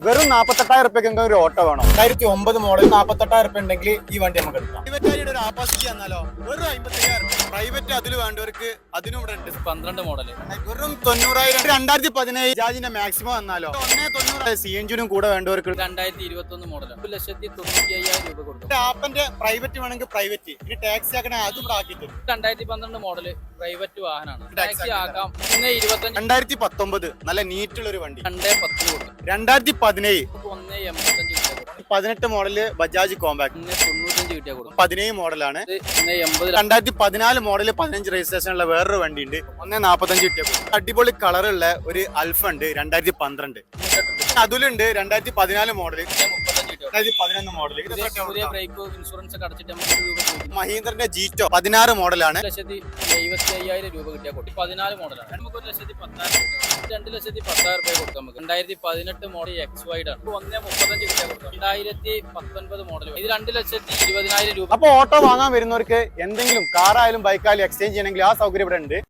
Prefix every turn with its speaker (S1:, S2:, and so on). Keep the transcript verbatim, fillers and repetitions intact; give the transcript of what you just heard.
S1: വെറും നാപ്പത്തെട്ടായിരം റുപ്യക്ക് ഒരു ഓട്ടോ വേണം.
S2: രണ്ടായിരത്തി ഒമ്പത് മോഡൽ നാപ്പത്തെട്ടായിരം റുപ്യ ഉണ്ടെങ്കിൽ ഈ വണ്ടി നമുക്ക് എടുക്കാം.
S1: പ്രൈവറ്റ് ഒരു ആപ്പാസിറ്റി വന്നാലോ വെറും അമ്പത്തയ്യായിരം പ്രൈവറ്റ് അതിൽ വേണ്ടവർക്ക് അതിനും ഇവിടെ ഉണ്ട്.
S3: പന്ത്രണ്ട് മോഡൽ
S1: വെറും തൊണ്ണൂറായിരം. രണ്ടായിരത്തി പതിനേഴ് ജാജിന്റെ മാക്സിമം വന്നാലോ ഒന്നേ തൊണ്ണൂറ് സി എഞ്ചിനും കൂടെ വേണ്ടവർക്ക്
S3: രണ്ടായിരത്തി ഇരുപത്തി ഒന്ന് മോഡൽ ഒരു ലക്ഷത്തി തൊണ്ണൂറ്റി അയ്യായിരം രൂപ കൊടുക്കും.
S1: ആപ്പന്റെ പ്രൈവറ്റ് വേണമെങ്കിൽ പ്രൈവറ്റ്, ഇനി ടാക്സി ആക്കണേ അതും ഇവിടെ ആക്കി തരും.
S3: രണ്ടായിരത്തി പന്ത്രണ്ട് മോഡൽ പ്രൈവറ്റ് വാഹനമാണ്. ടാക്സി ആക്കാം. പിന്നെ ഇരുപത്തഞ്ച്
S1: രണ്ടായിരത്തി പത്തൊമ്പത് നല്ല നീറ്റുള്ള ഒരു വണ്ടി
S3: രണ്ടേ പത്തിന് കൊടുക്കും.
S1: രണ്ടായിരത്തി പതിനേഴ്
S3: ഒന്നേ എൺപത്തഞ്ച് കിട്ടിയാൽ കൊടുക്കും.
S1: പതിനെട്ട് മോഡല് ബജാജ് കോമ്പാക്ട്
S3: ഒന്നേ തൊണ്ണൂറ്റഞ്ച് കിട്ടിയാൽ കൊടുക്കും.
S1: പതിനേഴ് മോഡലാണ്.
S3: ഒന്നേ എൺപത്
S1: രണ്ടായിരത്തി പതിനാല് മോഡല് പതിനഞ്ച് രജിസ്ട്രേഷനുള്ള വേറൊരു വണ്ടി ഉണ്ട്. ഒന്നേ നാപ്പത്തഞ്ച് കിട്ടിയ അടിപൊളി കളറുള്ള ഒരു അൽഫ ഉണ്ട് രണ്ടായിരത്തി പന്ത്രണ്ട്. അതിലുണ്ട് രണ്ടായിരത്തി പതിനാല് മോഡല്
S3: മുപ്പത്തഞ്ച് കിട്ടിയാൽ
S1: രണ്ടായിരത്തി പതിനൊന്ന് മോഡല്.
S3: പുതിയ ബ്രേക്ക് ഇൻഷുറൻസ് ഒക്കെ അടച്ചിട്ട് നമുക്ക് ഒരു രൂപ ചോദിക്കും.
S1: മഹീന്ദ്രന്റെ ജീറ്റോ പതിനാറ് മോഡലാണ്.
S3: ഒരു ലക്ഷത്തി എഴുപത്തി അയ്യായിരം രൂപ കിട്ടിയാൽ കൊടുക്കും. പതിനാല് മോഡലാണ്. നമുക്ക് ഒരു ലക്ഷത്തി പത്തായിരം രണ്ട് ലക്ഷത്തി പത്തായിരം രൂപ കൊടുക്കാം. നമുക്ക് രണ്ടായിരത്തി പതിനെട്ട് മോഡൽ എക്സ് വൈഡ് ആണ്. ഒന്നേ മുപ്പത്തഞ്ച് കിട്ടിയാൽ കൊടുക്കാം. രണ്ടായിരത്തി പത്തൊൻപത് മോഡൽ ഇത് രണ്ട് ലക്ഷത്തി ഇരുപതിനായിരം രൂപ.
S1: അപ്പൊ ഓട്ടോ വാങ്ങാൻ വരുന്നവർക്ക് എന്തെങ്കിലും കാറായാലും ബൈക്കായാലും എക്സ്ചേഞ്ച് ചെയ്യണമെങ്കിൽ ആ സൗകര്യം ഇവിടെ ഉണ്ട്.